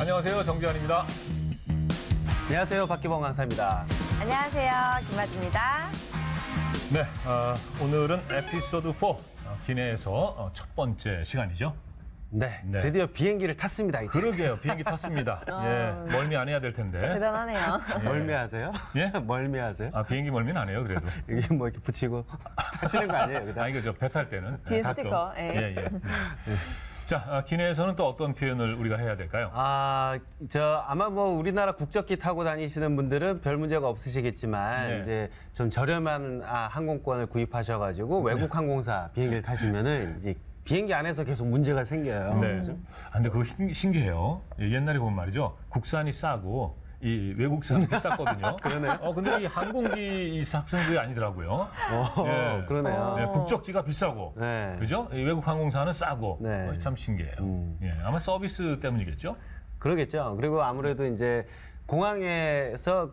안녕하세요. 정재환입니다. 안녕하세요. 박기범 강사입니다. 안녕하세요. 김아주입니다. 네, 오늘은 에피소드 4 기내에서 첫 번째 시간이죠. 네, 네. 드디어 비행기를 탔습니다. 이제. 그러게요. 비행기 탔습니다. 예, 멀미 안 해야 될 텐데. 대단하네요. 멀미하세요? 예? 멀미하세요? 비행기 멀미는 안 해요. 그래도. 이게 뭐 이렇게 붙이고 타시는 거 아니에요? 그다음? 이거 저 배 탈 때는. 뒤에 가끔. 스티커, 예. 예. 자, 기내에서는 또 어떤 표현을 우리가 해야 될까요? 아마 뭐 우리나라 국적기 타고 다니시는 분들은 별 문제가 없으시겠지만 네. 이제 좀 저렴한 항공권을 구입하셔가지고 외국 항공사 비행기를 타시면은 이제 비행기 안에서 계속 문제가 생겨요. 네. 근데 그거 신기해요. 옛날에 보면 말이죠. 국산이 싸고 이 외국산이 비쌌거든요. 그러네요. 근데 이 항공기 이 삭승구이 아니더라고요. 예. 그러네요. 네, 국적기가 비싸고, 네. 그죠? 이 외국 항공사는 싸고, 네. 참 신기해요. 예, 아마 서비스 때문이겠죠? 그러겠죠. 그리고 아무래도 이제 공항에서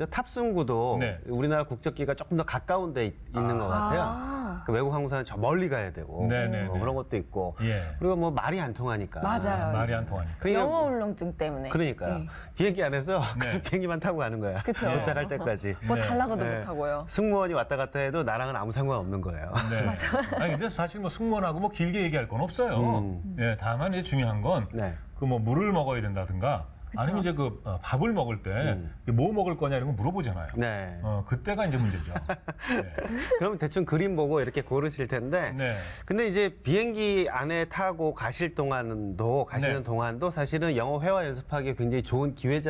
탑승구도 네. 우리나라 국적기가 조금 더 가까운 데 있는 것 같아요. 그 외국 항공사는 저 멀리 가야 되고 네네네. 그런 것도 있고 예. 그리고 뭐 말이 안 통하니까. 맞아요. 말이 안 통하니까. 그러니까 영어 울렁증 때문에. 그러니까요. 예. 비행기 안에서 네. 그냥 비행기만 타고 가는 거야. 그쵸. 도착할 때까지. 뭐 네. 달라고도 네. 못하고요. 승무원이 왔다 갔다 해도 나랑은 아무 상관없는 거예요. 네. 아니, 근데 사실 뭐 승무원하고 뭐 길게 얘기할 건 없어요. 예, 다만 이제 중요한 건 그 네. 뭐 물을 먹어야 된다든가 아니면 이제 밥을 먹을 때 뭐 먹을 거냐 이런 거 물어보잖아요. 네. 그때가 이제 문제죠. 네. 그러면 대충 그림 보고 이렇게 고르실 텐데. 네. 근데 이제 비행기 안에 타고 가시는 네. 동안도 사실은 영어 회화 연습하기 굉장히 좋은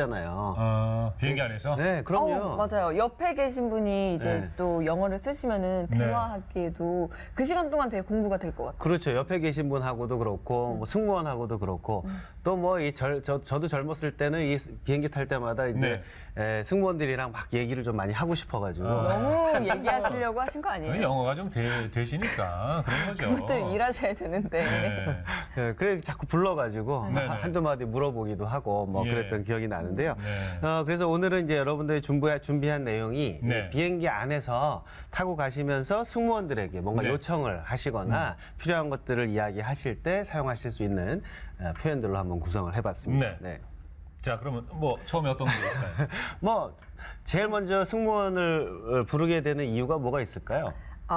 기회잖아요. 비행기 안에서. 네, 그럼요. 맞아요. 옆에 계신 분이 이제 네. 또 영어를 쓰시면은 네. 대화하기에도 그 시간 동안 되게 공부가 될 것 같아요. 그렇죠. 옆에 계신 분하고도 그렇고, 뭐 승무원하고도 그렇고, 또 뭐 저도 젊었을 때는 이 비행기 탈 때마다 이제 승무원들이랑 막 얘기를 좀 많이 하고 싶어가지고. 너무 얘기하시려고 하신 거 아니에요? 영어가 좀 되시니까 그런 거죠. 그것들 일하셔야 되는데. 네. 네, 그래 자꾸 불러가지고 네네. 한두 마디 물어보기도 하고 뭐 예. 그랬던 기억이 나는데요. 네. 그래서 오늘은 이제 여러분들이 준비한 내용이 네. 이 비행기 안에서 타고 가시면서 승무원들에게 뭔가 네. 요청을 하시거나 필요한 것들을 이야기하실 때 사용하실 수 있는 표현들로 한번 구성을 해봤습니다. 네. 자, 그러면 뭐 처음에 어떤 게 있을까요? 뭐 제일 먼저 승무원을 부르게 되는 이유가 뭐가 있을까요?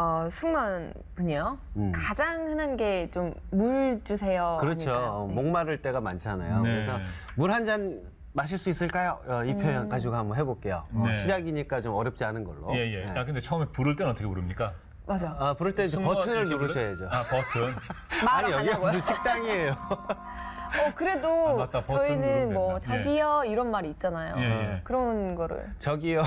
승무원 분이요. 가장 흔한 게 좀 물 주세요. 그렇죠. 아닐까요? 네. 목마를 때가 많잖아요. 네. 그래서 물 한 잔 마실 수 있을까요? 이 표현 가지고 한번 해볼게요. 네. 시작이니까 좀 어렵지 않은 걸로. 예, 예. 네. 근데 처음에 부를 때는 어떻게 부릅니까? 맞아. 부를 때 이제 승무원 버튼을 이렇게 누르셔야죠. 버튼. 말을 아니, 여기 하냐고요? 무슨 식당이에요. 그래도 맞다. 버튼 누르면 저희는 뭐 된다. 예. 저기요 이런 말이 있잖아요. 예, 예. 그런 거를 저기요.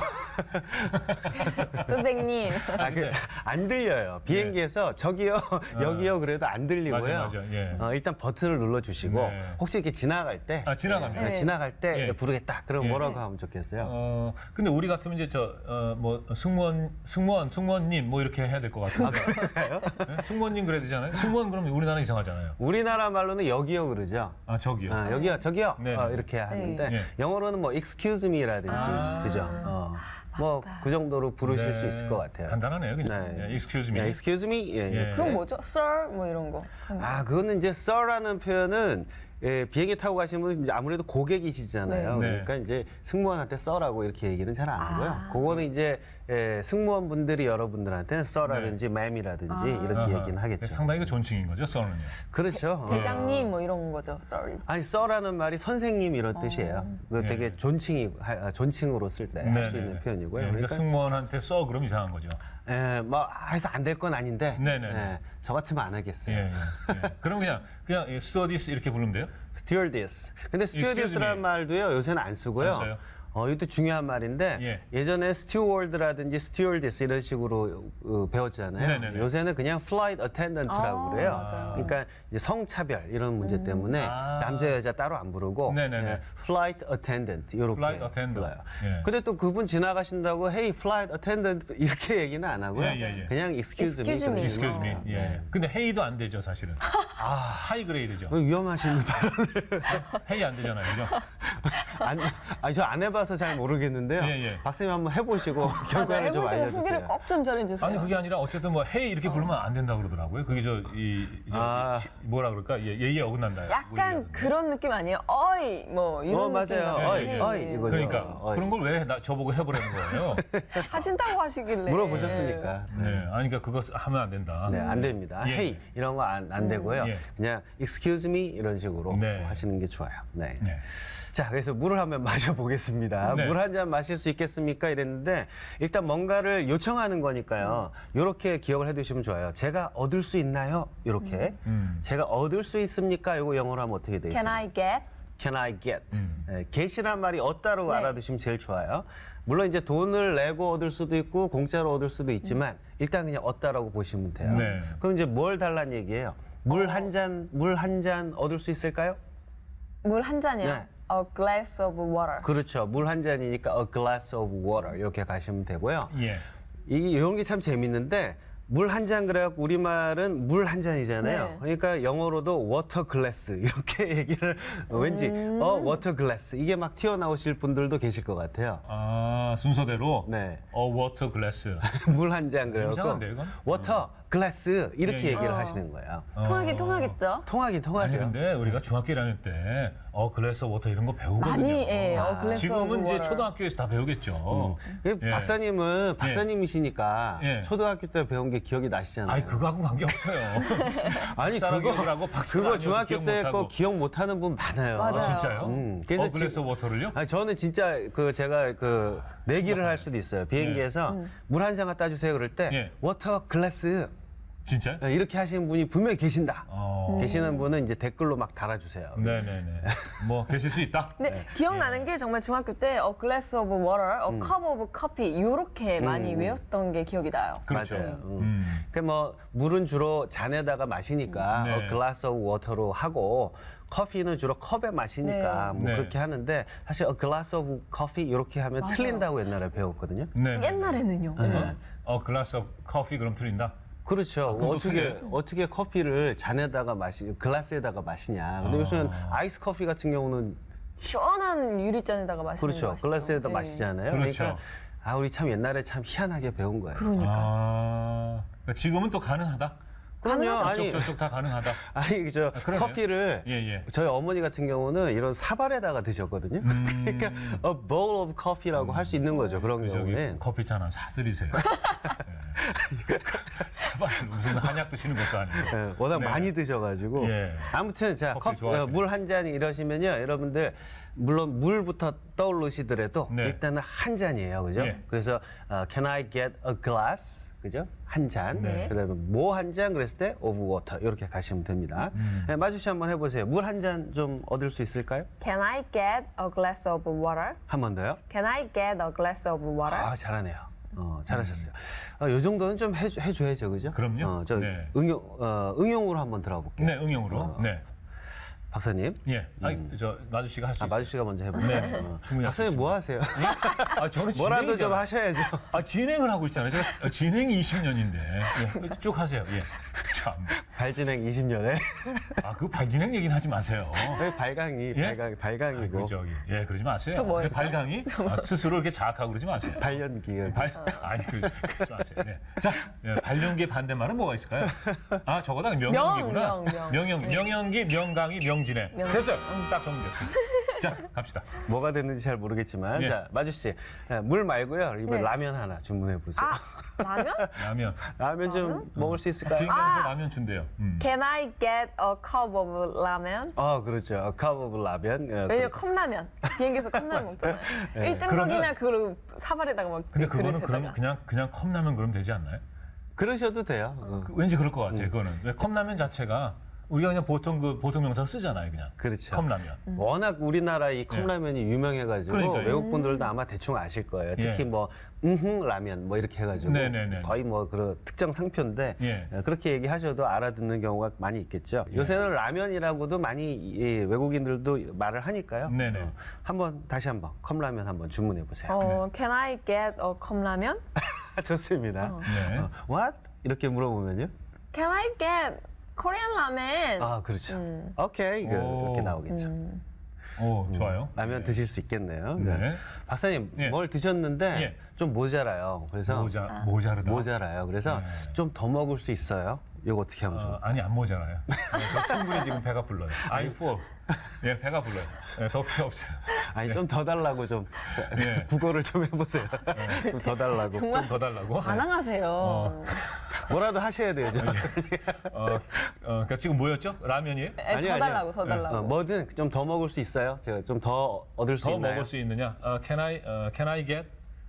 선생님. 안 들려요. 비행기에서 저기요, 여기요 그래도 안 들리고요. 맞아. 예. 일단 버튼을 눌러주시고 네. 혹시 이렇게 지나갈 때. 지나가면. 네. 지나갈 때 예. 부르겠다. 그럼 예. 뭐라고 하면 좋겠어요? 근데 우리 같으면 이제 뭐 승무원님 뭐 이렇게 해야 될 것 같은데. 네? 승무원님 그래야 되잖아요. 승무원 그러면 우리나라 이상하잖아요. 우리나라 말로는 여기요 그러죠. 저기요. 여기요, 저기요. 네, 네. 이렇게 하는데 네. 영어로는 뭐 excuse me라든지 그죠. 뭐 그 정도로 부르실 네. 수 있을 것 같아요. 간단하네요, 그냥. 네. 예, excuse me. 네, excuse me. 예, 예. 그건 뭐죠? Sir 뭐 이런 거. 그거는 이제 sir라는 표현은 비행기 타고 가시는 분은 이제 아무래도 고객이시잖아요. 네. 그러니까 이제 승무원한테 sir라고 이렇게 얘기는 잘 안 하고요. 그거는 이제 승무원분들이 여러분들한테는 sir라든지 ma'am이라든지 이렇게 아하. 얘기는 하겠죠. 상당히 그 존칭인 거죠, 써는요. 그렇죠. 대장님 뭐 이런 거죠. Sorry. 아니 sir라는 말이 선생님 이런 뜻이에요. 그 되게 예. 존칭으로 쓸 때 할 수 있는 표현이고요. 그러니까 승무원한테 써 그럼 이상한 거죠. 뭐 해서 안 될 건 아닌데 네네네. 저 같으면 안 하겠어요. 예. 그럼 그냥 스튜어디스 이렇게 부르면 돼요? 스튜어디스. 근데 Excuse me. 스튜어디스라는 말도요 요새는 안 쓰고요. 안 써요? 이것도 중요한 말인데 예. 예전에 스튜어드라든지 스튜어디스 이런 식으로 배웠잖아요. 네네네. 요새는 그냥 플라이트 어텐던트라고 그래요. 맞아요. 그러니까 이제 성차별 이런 문제 때문에 남자 여자 따로 안 부르고 네네네. 플라이트 어텐던트 이렇게 Flight attendant. 불러요. 예. 근데 또 그분 지나가신다고 헤이 플라이트 어텐던트 이렇게 얘기는 안 하고요. 예. 그냥 excuse me. Excuse me. Excuse me. 예. 근데 헤이도 안 되죠, 사실은. 하이 그레이드죠. 위험하신 분. 헤이 안 되잖아요, 그죠? 저 안 해봐서 잘 모르겠는데요. 예, 예. 박사님 한번 해보시고 맞아, 결과를 좀 해보시고 알려주세요. 후기를 꼭 좀 전해주세요. 아니 그게 아니라 어쨌든 뭐 헤이 이렇게 부르면 안 된다 그러더라고요. 그게 뭐라 그럴까 예의에 어긋난다. 약간 그런 느낌 아니에요? 어이 뭐 이런 느낌 맞아요. 같아요. 어이, 네, 어이 네. 이거죠. 그러니까 어이. 그런 걸 왜 저보고 해보라는 거예요? 하신다고 하시길래 물어보셨으니까. 네, 아니 그러니까 그거 하면 안 된다. 네, 안 됩니다. 예. 헤이 이런 거 안 되고요. 예. 그냥 excuse me 이런 식으로 네. 하시는 게 좋아요. 네. 네. 자, 그래서 물을 한번 마셔보겠습니다. 네. 물 한 잔 마실 수 있겠습니까? 이랬는데 일단 뭔가를 요청하는 거니까요. 이렇게 기억을 해두시면 좋아요. 제가 얻을 수 있나요? 이렇게. 제가 얻을 수 있습니까? 이거 영어로 하면 어떻게 되겠어요? Can I get? Can I get? get이란 말이 얻다로 네. 알아두시면 제일 좋아요. 물론 이제 돈을 내고 얻을 수도 있고 공짜로 얻을 수도 있지만 일단 그냥 얻다라고 보시면 돼요. 네. 그럼 이제 뭘 달란 얘기예요? 물 한 잔 얻을 수 있을까요? 물 한 잔이요? 네. A glass of water. 그렇죠. 물 한 잔이니까 a glass of water 이렇게 가시면 되고요. 예. 이런 게 참 재밌는데 물 한 잔 그래갖고 우리말은 물 한 잔이잖아요. 네. 그러니까 영어로도 워터 글래스 이렇게 얘기를 왠지 워터 글래스 이게 막 튀어나오실 분들도 계실 것 같아요. 아 순서대로. 네. 워터 글래스. 물 한 잔 그래갖고 이상한데요, 이건? 워터 글래스 이렇게 예, 예. 얘기를 하시는 거예요. 통하긴 통하겠죠? 통하긴 아니 통하죠. 근데 우리가 중학교 1학년 때 글래스 워터 이런 거 배우거든요. 많이 예, glass 지금은 of 이제 water. 초등학교에서 다 배우겠죠. 예. 박사님은 박사님이시니까 예. 초등학교 때 배운 게 기억이 나시잖아요. 아니 그거하고 관계 없어요. 아니 박사라고 박사가 그거 아니어서 중학교 기억 때 못하고. 거 기억 못하는 분 많아요. 맞아요. 진짜요? 그래서 글래스 워터를요? 아니, 저는 진짜 제가 내기를 할 수도 있어요. 비행기에서 물 한 잔 갖다 주세요 그럴 때 예. 워터 글래스 진짜? 이렇게 하시는 분이 분명히 계신다. 계시는 음. 분은 이제 댓글로 막 달아주세요. 네네네. 뭐 계실 수 있다. 근데 기억나는 게 정말 중학교 때 A glass of water, A cup of coffee 이렇게 많이 외웠던 게 기억이 나요. 그렇죠. 맞아요. 뭐 물은 주로 잔에다가 마시니까 네. glass of water로 하고 커피는 주로 컵에 마시니까 네. 뭐 네. 그렇게 하는데 사실 a glass of coffee 이렇게 하면 맞아요. 틀린다고 옛날에 배웠거든요. 네. 옛날에는요. 글라스 오브 커피 그럼 틀린다? 그렇죠. 그것도 어떻게 커피를 잔에다가 글라스에다가 마시냐. 근데 요새는 아이스 커피 같은 경우는 시원한 유리잔에다가 마시는 그렇죠. 거 아시죠? 글라스에다 예. 마시잖아요. 그렇죠. 그러니까 우리 참 옛날에 참 희한하게 배운 거예요. 그러니까. 그러니까 지금은 또 가능하다. 그럼요. 저쪽 다 가능하다. 그러네요. 커피를 예. 저희 어머니 같은 경우는 이런 사발에다가 드셨거든요. 그러니까 a bowl of coffee라고 할 수 있는 거죠. 그런 저기 경우는. 커피 잔 하나 사드리세요. 사발 무슨 한약 드시는 것도 아니고. 예, 워낙 네. 많이 드셔가지고 예. 아무튼 자 커피 좋아하시네. 물 한 잔 이러시면요 여러분들 물론 물부터 떠오르시더라도 네. 일단은 한 잔이에요 그죠? 예. 그래서 can I get a glass 그죠? 한 잔. 네. 그다음에 뭐 한 잔 그랬을 때 of water 이렇게 가시면 됩니다. 네, 마주씨 한번 해보세요. 물 한 잔 좀 얻을 수 있을까요? Can I get a glass of water? 한 번 더요. Can I get a glass of water? 아 잘하네요. 잘하셨어요. 요 정도는 좀 해줘야죠, 그죠? 그럼요. 저 네. 응용으로 한번 들어볼게요. 네, 응용으로. 네. 박사님. 예. 저 마주 씨가 할 수 있어요. 마주 씨가 먼저 해보세요. 네. 충분히 할수 박사님 뭐 하세요? 저는 뭐라도 좀 진행이잖아요. 하셔야죠. 진행을 하고 있잖아요. 제가 진행이 20년인데. 예, 쭉 하세요. 예. 참. 발진행 20년에 그 발진행 얘기는 하지 마세요. 발강이 예? 발강이고 그러지 마세요. 저 뭐였죠? 발강이 스스로 이렇게 자학하고 그러지 마세요. 발연기. 그러지 마세요. 네. 자, 발연기의 반대말은 뭐가 있을까요? 저거다 명연기구나. 명연기, 명강이, 명진행. 됐어요. 딱 정리됐어요. 자, 갑시다. 뭐가 됐는지 잘 모르겠지만 예. 자 마주 씨, 물 말고요. 이번 네. 라면 하나 주문해 보세요. 라면? 라면. 라면 좀 먹을 수 있을까요? 비행기에서 라면 준대요. Can I get a cup of 라면? 그렇죠. a cup of 라면. 왜냐면 컵라면. 비행기에서 컵라면 먹잖아요. 1등석이나 그러면- 그걸 사발에다가 먹지. 근데 그거는 그릇에다가. 그냥 컵라면 그러면 되지 않나요? 그러셔도 돼요. 왠지 그럴 것 같아요. 그거는 왜 컵라면 자체가 우리가 그냥 보통 명사로 쓰잖아요, 그냥. 그렇죠. 컵라면. 워낙 우리나라 이 컵라면이 유명해가지고 그러니까요. 외국 분들도 아마 대충 아실 거예요. 특히 예. 뭐 라면 뭐 이렇게 해가지고 네네네. 거의 뭐 그런 특정 상표인데 예. 그렇게 얘기하셔도 알아듣는 경우가 많이 있겠죠. 요새는 라면이라고도 많이 외국인들도 말을 하니까요. 네네. 다시 한번 컵라면 한번 주문해 보세요. Can I get a 컵라면? 좋습니다. 네. What? 이렇게 물어보면요. Can I get Korean 라면? 그렇죠. 오케이 오. 이렇게 나오겠죠. 오, 좋아요. 라면 네. 드실 수 있겠네요. 네. 박사님 예. 뭘 드셨는데 예. 좀 모자라요. 그래서 모자르다. 모자라요. 그래서 네. 좀 더 먹을 수 있어요. 이거 어떻게 하면 좋을까요? 아니 안 모자라요. 저 충분히 지금 배가 불러요. I'm full. 예, 배가 불러요. 예, 더 필요 없어요. 아니 좀 더 달라고 좀 자, 예. 국어를 좀 해보세요. 좀 더 달라고. 정말 좀 더 달라고. 반항하세요. 뭐라도 하셔야 돼요. 그러니까 지금 뭐였죠? 라면이에요? 더 달라고, 더 달라고. 뭐든 좀 더 먹을 수 있어요. 제가 좀 더 얻을 수 더 있나요? 먹을 수 있느냐? Can I get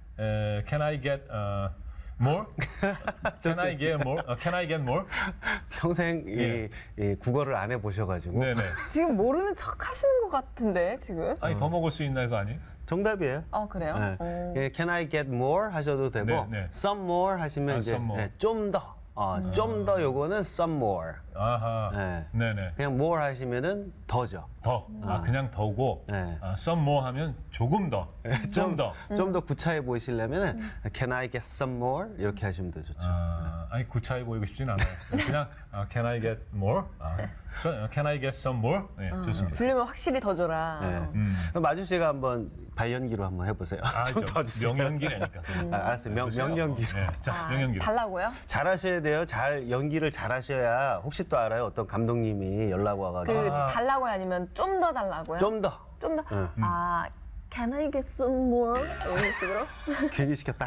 more? Can I get more? Can I get more? 평생 이 국어를 안 해보셔가지고 네네. 지금 모르는 척 하시는 것 같은데, 지금? 아니 더 먹을 수 있나 이거 아니에요? 정답이에요. 그래요? 네. 예, Can I get more 하셔도 되고 네, 네. some more 하시면 이제 some more. 좀 더, 좀 더 요거는 some more. 아하. 네. 네네. 그냥 more 하시면은 더죠. 더. 그냥 더고. 네. some more 하면 조금 더. 좀 더. 좀 더 구차해 보이시려면은 Can I get some more 이렇게 하시면 더 좋죠. 아니 구차해 보이고 싶진 않아요. 그냥 Can I get more? Can I get some more? 네, 좋습니다. 주려면 확실히 더 줘라. 네. 그럼 마주 씨가 한번 발연기로 한번 해보세요. 좀 더 주세요. 명연기라니까. 알았어요. 명연기로. 네. 자, 명연기로. 달라고요? 잘하셔야 돼요. 잘 연기를 잘하셔야 혹시 또 알아요. 어떤 감독님이 연락 와가지고 달라고요? 아니면 좀 더 달라고요? 좀 더. 좀 더? Can I get some more? 이런 식으로? 괜히 시켰다.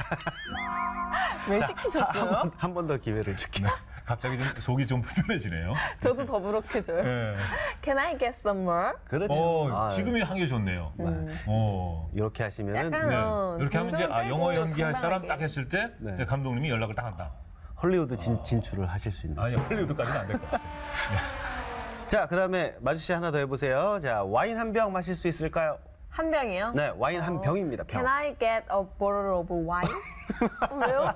왜 시키셨어요? 한 번 더 기회를 줄게요. 갑자기 좀 속이 좀 불편해지네요. 저도 더부룩해져요. 네. Can I get some more? 그렇죠. 지금이 한 게 좋네요. 이렇게 하시면은 약간 이렇게 하면 이제 동전 영어 빼고 연기할 사람 당당하게. 딱 했을 때 네. 감독님이 연락을 딱 한다. 헐리우드 진출을 하실 수 있는. 아니 헐리우드까지는 안 될 것 같아요. 자, 그다음에 마주 씨 하나 더 해보세요. 자, 와인 한 병 마실 수 있을까요? 한 병이요? 네, 와인 한 병입니다. 병. Can I get a bottle of wine? 왜요?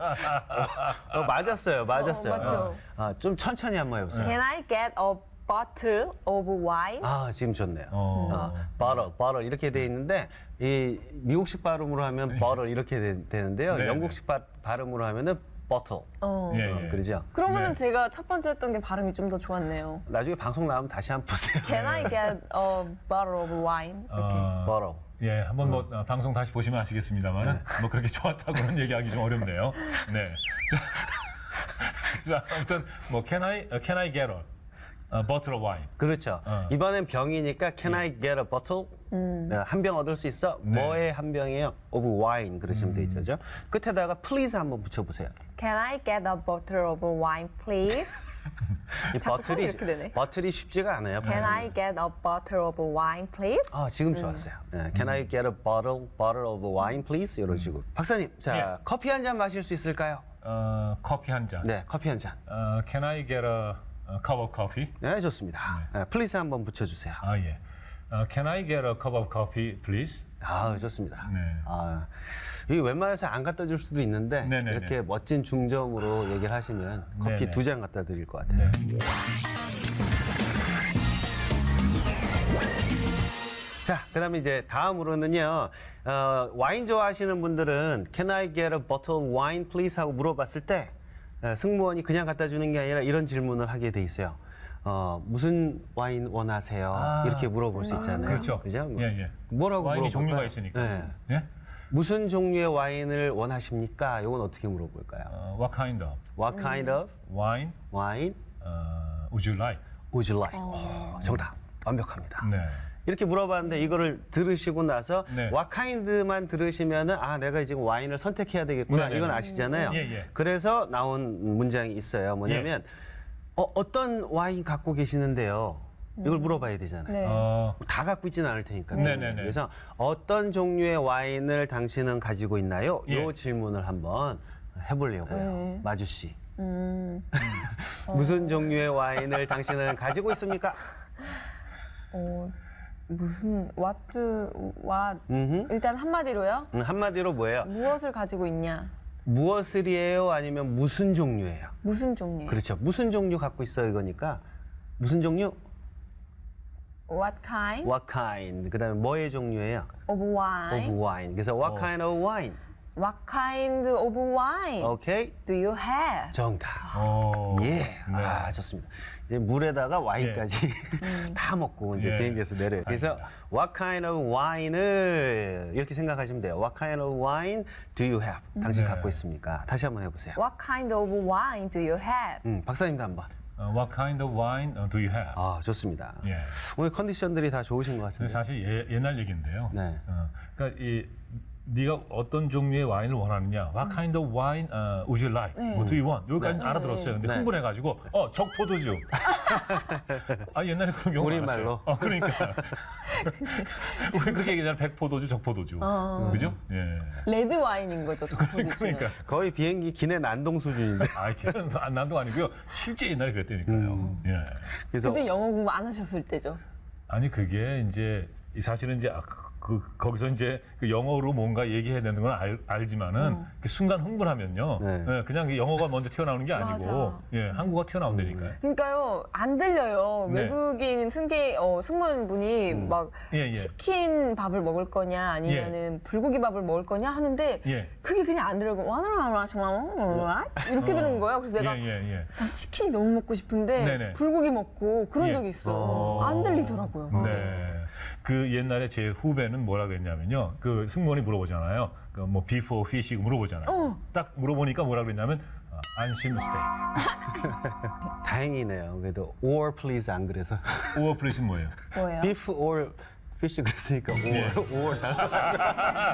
맞았어요. 맞죠. 좀 천천히 한번 해보세요. Can I get a bottle of wine? 지금 좋네요. bottle 이렇게 돼 있는데 이 미국식 발음으로 하면 bottle 이렇게 되는데요. 네, 영국식 발음으로 하면은 bottle. 예, 예. 그러죠? 그러면은 네. 제가 첫 번째 했던 게 발음이 좀 더 좋았네요. 나중에 방송 나오면 다시 한번 보세요. Can I get a bottle of wine? 이렇게. bottle. 예, 한번 뭐 방송 다시 보시면 아시겠습니다만 뭐 그렇게 좋았다고는 얘기하기 좀 어렵네요. 네. 자, 아무튼 뭐 Can I get a bottle of wine? 그렇죠. 이번엔 병이니까 can I get a bottle? 한 병 얻을 수 있어? 네. 뭐의 한 병이에요? of wine 그러시면 되죠. 끝에다가 please 한번 붙여보세요. Can I get a bottle of wine, please? 이 자꾸 손이 이렇게 되네. 버틀이 쉽지가 않아요. Can I get a bottle of wine, please? 지금 좋았어요. 네, Can I get a bottle of wine, please? 이런 식으로. 박사님, 자 예. 커피 한 잔 마실 수 있을까요? 커피 한 잔. 네, 커피 한 잔. Can I get a cup of coffee? 네, 좋습니다. 네, please 한번 붙여주세요. 예. Can I get a cup of coffee, please? 좋습니다. 네. 이 웬만해서 안 갖다 줄 수도 있는데 네네네. 이렇게 멋진 중점으로 얘기를 하시면 커피 네네. 2잔 갖다 드릴 것 같아요. 네. 자, 그다음에 이제 다음으로는요. 와인 좋아하시는 분들은 Can I get a bottle of wine, please? 하고 물어봤을 때 승무원이 그냥 갖다 주는 게 아니라 이런 질문을 하게 돼 있어요. 무슨 와인 원하세요? 이렇게 물어볼 수 있잖아요. 그렇죠. 그죠? 예, 예. 뭐라고 와인이 물어볼까요? 종류가 있으니까. 네. 예? 무슨 종류의 와인을 원하십니까? 이건 어떻게 물어볼까요? What kind of What kind of wine wine would you like? would you like? 정답. 완벽합니다. 네. 이렇게 물어봤는데 이거를 들으시고 나서 네. what kind만 들으시면은 내가 지금 와인을 선택해야 되겠구나. 네네네. 이건 아시잖아요. 예, 예. 그래서 나온 문장이 있어요. 뭐냐면 어떤 와인 갖고 계시는데요? 이걸 물어봐야 되잖아요. 네. 다 갖고 있지는 않을 테니까요. 네네네. 그래서 어떤 종류의 와인을 당신은 가지고 있나요? 예. 이 질문을 한번 해보려고요. 네. 마주 씨. 무슨 종류의 와인을 당신은 가지고 있습니까? 무슨 what 일단 한마디로요. 한마디로 뭐예요? 무엇을 가지고 있냐? 무엇을이에요? 아니면 무슨 종류예요? 무슨 종류? 그렇죠. 무슨 종류 갖고 있어 이거니까 무슨 종류? What kind What kind? 그다음에 뭐의 종류예요? of wine? Of wine. 그래서 what kind of wine? What kind of wine 오케이. do you have? 정답. 오. 예. 네. 좋습니다. 이제 물에다가 와인까지 다 먹고 이제 예. 비행기에서 내려요. 그래서 what kind of wine을 이렇게 생각하시면 돼요. What kind of wine do you have? 당신 네. 갖고 있습니까? 다시 한번 해보세요. What kind of wine do you have? 박사님도 한번. What kind of wine do you have? 아, 좋습니다. 예. 오늘 컨디션들이 다 좋으신 것 같은데. 사실 옛날 얘기인데요. 네. 그러니까 네가 어떤 종류의 와인을 원하느냐? What kind of wine would you like? What do you want? 여기까지 알아들었어요. 근데 네. 흥분해가지고 적포도주. 아 옛날에 그런 경우 우리말로. 많았어요. 그러니까 우리 그렇게 얘기하잖아. 백포도주, 적포도주. 그죠? 예. 레드 와인인 거죠, 적포도주는. 그러니까. 거의 비행기 기내 난동 수준인데. 아, 그건 난도 아니고요. 실제 옛날에 그랬다니까요. 예. 그래서 그때 영어 공부 안 하셨을 때죠. 아니 그게 이제 사실은 이제 거기서 이제 그 영어로 뭔가 얘기해야 되는 건 알지만은 그 순간 흥분하면요. 네. 예, 그냥 영어가 먼저 튀어나오는 게 아니고 맞아. 예, 한국어가 튀어나온다니까요. 그러니까요, 안 들려요. 네. 외국인 승무원분이 막 예, 예. 치킨 밥을 먹을 거냐 아니면은 불고기 밥을 먹을 거냐 하는데 예. 그게 그냥 안 들리고 이렇게 들은 거예요. 그래서 내가 예. 난 치킨이 너무 먹고 싶은데 네네. 불고기 먹고 그런 예. 적이 있어요. 안 들리더라고요. 네. 그 옛날에 제 후배는 뭐라 그랬냐면요. 그 승무원이 물어보잖아요. 그 뭐 비포 피시 물어보잖아요. 딱 물어보니까 뭐라 그랬냐면 안심 스테이크. 다행이네요. 그래도 or please 안 그래서. 오어 플레이스 뭐예요? 뭐예요? beef or fish 그랬으니까 or 달라.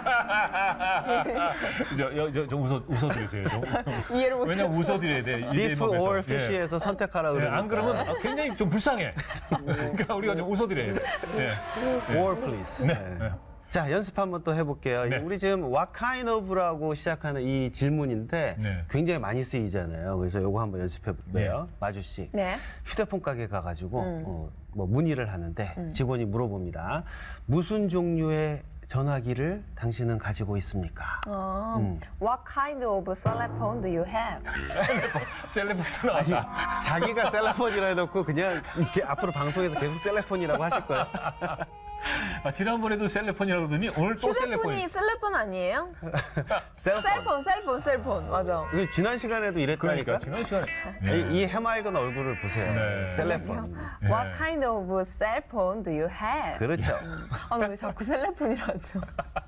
좀 웃어드리세요. 좀. 이해를 못해요. 왜냐면 웃어드려야 돼. 이 beef 대목에서. or 예. fish에서 선택하라 예, 그러니까. 안 그러면 굉장히 좀 불쌍해. 그러니까 우리가 좀 웃어드려야 돼. 예. or please. 네. 자, 연습 한번 또 해볼게요. 네. 우리 지금 what kind of라고 시작하는 이 질문인데 네. 굉장히 많이 쓰이잖아요. 그래서 요거 한번 연습해 볼게요. 네. 마주 씨. 네. 휴대폰 가게 가가지고 뭐 문의를 하는데 직원이 물어봅니다. 무슨 종류의 전화기를 당신은 가지고 있습니까? What kind of cell phone do you have? 셀레브트 나왔다. 자기가 셀라폰이라 해놓고 그냥 이렇게 앞으로 방송에서 계속 셀라폰이라고 하실 거예요. 아, 지난번에도 셀레폰이라고 그러더니 오늘 또 셀레폰이. 휴대폰이 셀폰 아니에요? 셀폰. 셀폰. 맞아. 이게 지난 시간에도 이랬다니까. 그러니까 지난 시간에. 이 해맑은 얼굴을 보세요. 네. 셀레폰. What kind of cell phone do you have? 그렇죠. 아, 왜 자꾸 셀폰이라 하죠?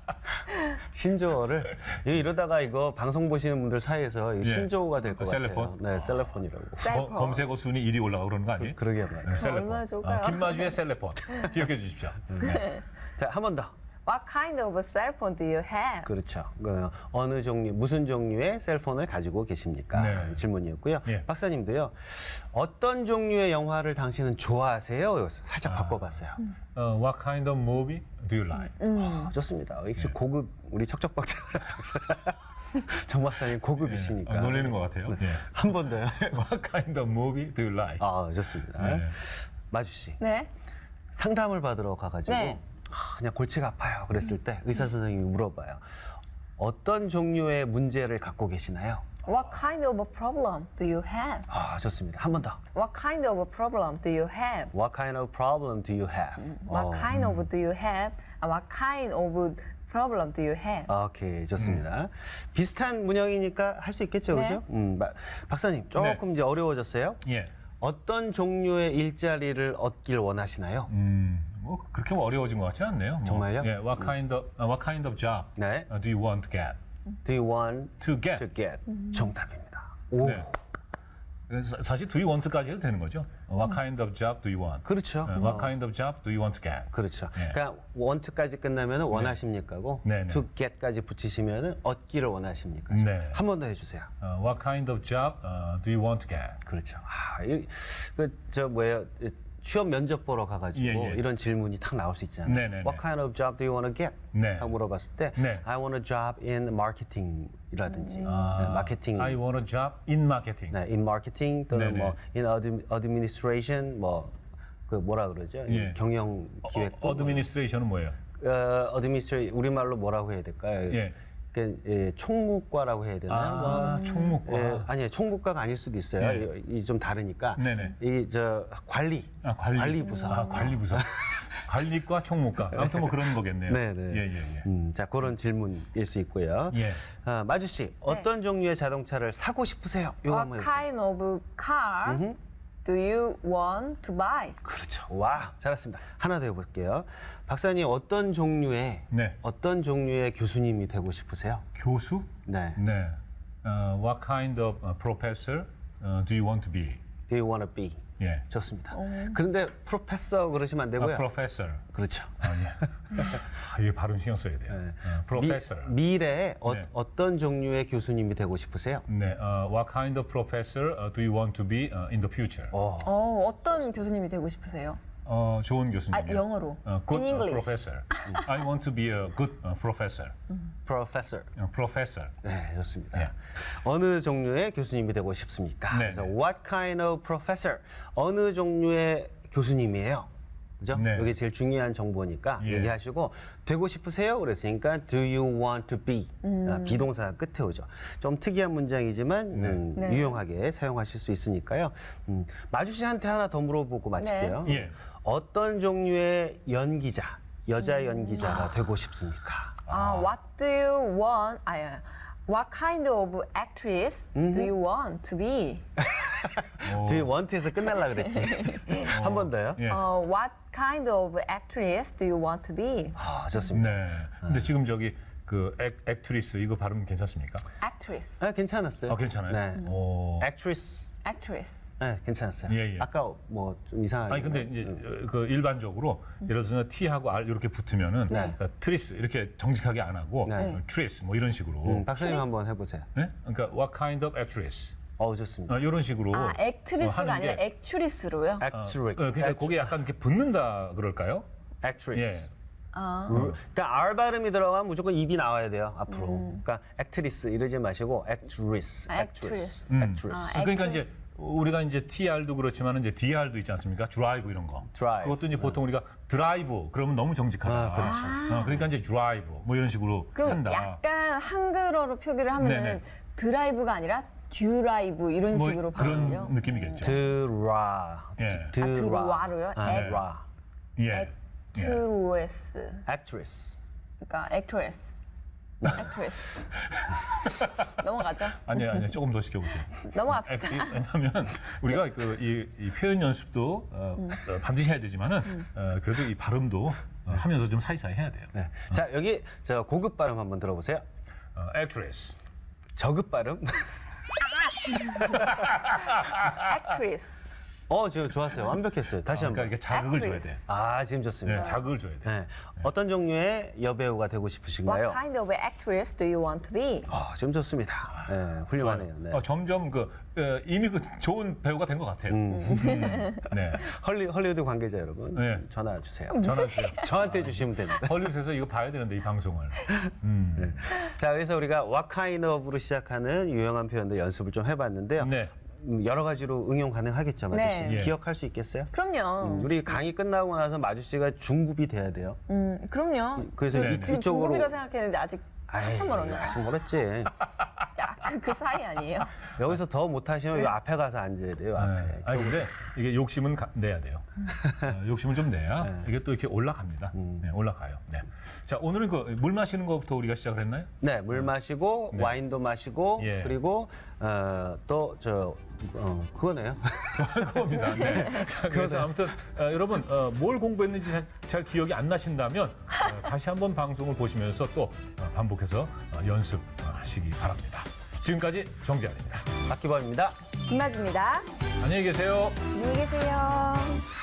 신조어를 이러다가 이거 방송 보시는 분들 사이에서 이 신조어가 될 것 같아요. 셀레폰? 네, 셀레폰이라고. 셀폰. 검색어 순위 1위 올라가 그러는 거 아니에요? 그러게 말이에요. 네, 셀레폰. 얼마나 좋을까요? 김마주의 셀레폰. 기억해 주십시오. 자, 한 번 더. What kind of cell phone do you have? 그렇죠. 어느 종류, 무슨 종류의 셀폰을 가지고 계십니까? 네. 질문이었고요. 예. 박사님도요. 어떤 종류의 영화를 당신은 좋아하세요? 살짝 바꿔봤어요. What kind of movie do you like? 좋습니다. 역시 고급 우리 척척 박사 정 박사님 고급이시니까. 놀리는 것 같아요. 예. 한 번 더요. What kind of movie do you like? 아, 좋습니다. 네. 마주 씨. 네. 상담을 받으러 가가지고 네. 그냥 골치가 아파요. 그랬을 때 의사 선생님이 물어봐요. 어떤 종류의 문제를 갖고 계시나요? What kind of problem do you have? 아, 좋습니다. 한 번 더. What kind of problem do you have? What kind of problem do you have? What kind of do you have? What kind of problem do you have? 오케이, 좋습니다. 비슷한 문형이니까 할 수 있겠죠, 네. 그죠? 박사님, 조금 이제 어려워졌어요. 예. 어떤 종류의 일자리를 얻길 원하시나요? 뭐 그렇게 어려워진 것 같지는 않네요. 뭐. 정말요? 예. What kind of job 네. do you want to get? Do you want To get. to get? 정답입니다. 오, 네. 사실 do you want까지 해도 되는 거죠. What kind of job do you want? 그렇죠. What kind of job do you want to get? 그렇죠. 네. 그러니까 want까지 끝나면 원하십니까고 네, 네. to get까지 붙이시면 얻기를 원하십니까? 네. 한 번 더 해주세요. What kind of job do you want to get? 그렇죠. 저 뭐예요? 취업 면접 보러 가가지고 예, 예. 이런 질문이 탁 나올 수 있잖아요. 네, 네, 네. What kind of job do you want to get? 네. 하고 물어봤을 때 네. I want a job in marketing이라든지 마케팅, I want a job in marketing. 네, in marketing 또는 네, 네. 뭐 in administration 그 뭐라 그러죠? 예. 경영 기획부. administration은 뭐예요? administration 우리말로 뭐라고 해야 될까요? 예. 총무과라고 해야 되나요? 총무과. 아니요, 총무과가 아닐 수도 있어요. 네. 이 좀 다르니까. 네네. 이 관리. 관리 부서. 관리부서. 관리과 총무과. 아무튼 뭐 그런 거겠네요. 네네. 예. 자, 그런 질문일 수 있고요. 예. 마주 씨, 어떤 종류의 자동차를 사고 싶으세요? 이거 What 한번 해주세요. kind of car do you want to buy? 그렇죠. 와, 잘했습니다. 하나 더 해볼게요. 박사님 어떤 종류의 네. 어떤 종류의 교수님이 되고 싶으세요? 교수? 네. 네. What kind of professor do you want to be? Do you want to be? 예. 좋습니다. 그런데 프로페서 그러시면 안 되고요. professor. 그렇죠. 예. 이게 발음 신경 써야 돼요. 네. professor. 미래에 네. 어떤 종류의 교수님이 되고 싶으세요? 네. What kind of professor do you want to be in the future? 어떤 교수님이 되고 싶으세요? 좋은 교수님이요. 아, 영어로. Good In English. professor. I want to be a good professor. Professor. Professor. 네, 좋습니다. 예. 어느 종류의 교수님이 되고 싶습니까? 네, 그래서 네. What kind of professor? 어느 종류의 교수님이에요? 그죠? 네. 이게 제일 중요한 정보니까 예. 얘기하시고 되고 싶으세요? 그랬으니까 Do you want to be? 비동사가 끝에 오죠. 좀 특이한 문장이지만 네. 유용하게 사용하실 수 있으니까요. 마주 씨한테 하나 더 물어보고 마칠게요. 예. 어떤 종류의 연기자, 여자 연기자가 되고 싶습니까? What do you want? What kind of actress do you want to be? Do you want에서 끝날라 그랬지. 한 번 더요. 예. What kind of actress do you want to be? 아, 좋습니다. 네. 근데 지금 저기 그 액트리스 이거 발음 괜찮습니까? Actress. 아, 괜찮았어요. 괜찮아요? 네. 오. Actress. Actress. 네, 괜찮았어요. 예, 예. 아까 뭐 좀 이상하게. 아니 근데 이제 그 일반적으로 예를 들어서 T하고 R 이렇게 붙으면은 네. 그러니까 트리스 이렇게 정직하게 안 하고 네. 트리스 뭐 이런 식으로. 박사님 한번 해보세요. 네? 그러니까 what kind of actress? 좋습니다. 이런 식으로. 액트리스가 하는 아니라 게, 액츄리스로요? Actress. 그러니까 그게 약간 이렇게 붙는다 그럴까요? Actress. 예. 그러니까 R 발음이 들어가면 무조건 입이 나와야 돼요 앞으로. 그러니까 actress 이러지 마시고 actress, Actress. actress. 그러니까 이제 우리가 이제 TR도 그렇지만 이제 DR도 있지 않습니까? 드라이브 이런 거. Drive. 그것도 이제 보통 우리가 드라이브 그러면 너무 정직하다. 그렇죠. 그러니까 이제 드라이브 뭐 이런 식으로 그럼 한다. 약간 한글어로 표기를 하면은 네네. 드라이브가 아니라 듀라이브 이런 뭐 식으로 그런 발음요. 느낌이겠죠. 드라. 예. 드라로요? 드라. 예. 액트레스. Actress. 그러니까 액트레스. 액트레스. 넘어가죠. 아니요, 조금 더 시켜보세요. 넘어갑시다. 왜냐하면 우리가 이 표현 연습도 반드시 해야 되지만은 그래도 이 발음도 하면서 좀 사이사이 해야 돼요. 네. 자 여기 저 고급 발음 한번 들어보세요. actress. 저급 발음. 액트레스. 지금 좋았어요. 완벽했어요. 다시 그러니까 한번. 이게 자극을 줘야 돼. 아 지금 좋습니다. 네, 자극을 줘야 돼. 네. 어떤 종류의 여배우가 되고 What 싶으신가요? kind of actress do you want to be? 지금 좋습니다. 네, 훌륭하네요. 네. 점점 이미 좋은 배우가 된 것 같아요. 네. 헐리우드 관계자 여러분 네. 전화 주세요. 전화 주세요. 저한테 주시면 됩니다. 헐리우드에서 이거 봐야 되는데 이 방송을. 자, 그래서 우리가 what kind of로 시작하는 유용한 표현들 연습을 좀 해봤는데요. 네. 여러 가지로 응용 가능하겠죠, 마주 씨. 네. 예. 기억할 수 있겠어요? 그럼요. 우리 강의 끝나고 나서 마주 씨가 중급이 돼야 돼요. 그럼요. 그래서 네, 지금 이쪽으로 중급이라 생각했는데 아직 한참 멀었네요. 아직 멀었지. 야, 그 사이 아니에요? 여기서 더 못하시면 이 앞에 가서 앉아야 돼요. 앞에. 아니 근데 이게 욕심은 내야 돼요. 욕심을 좀 내야 이게 또 이렇게 올라갑니다. 네, 올라가요. 네. 자 오늘은 물 마시는 것부터 우리가 시작을 했나요? 네, 물 마시고 와인도 마시고 예. 그리고 또 그거네요. 그겁니다. 네. 자, 그래서 아무튼 여러분 뭘 공부했는지 잘 기억이 안 나신다면 다시 한번 방송을 보시면서 또 반복해서 연습하시기 바랍니다. 지금까지 정재환입니다. 박기범입니다. 김아주입니다. 안녕히 계세요. 안녕히 계세요.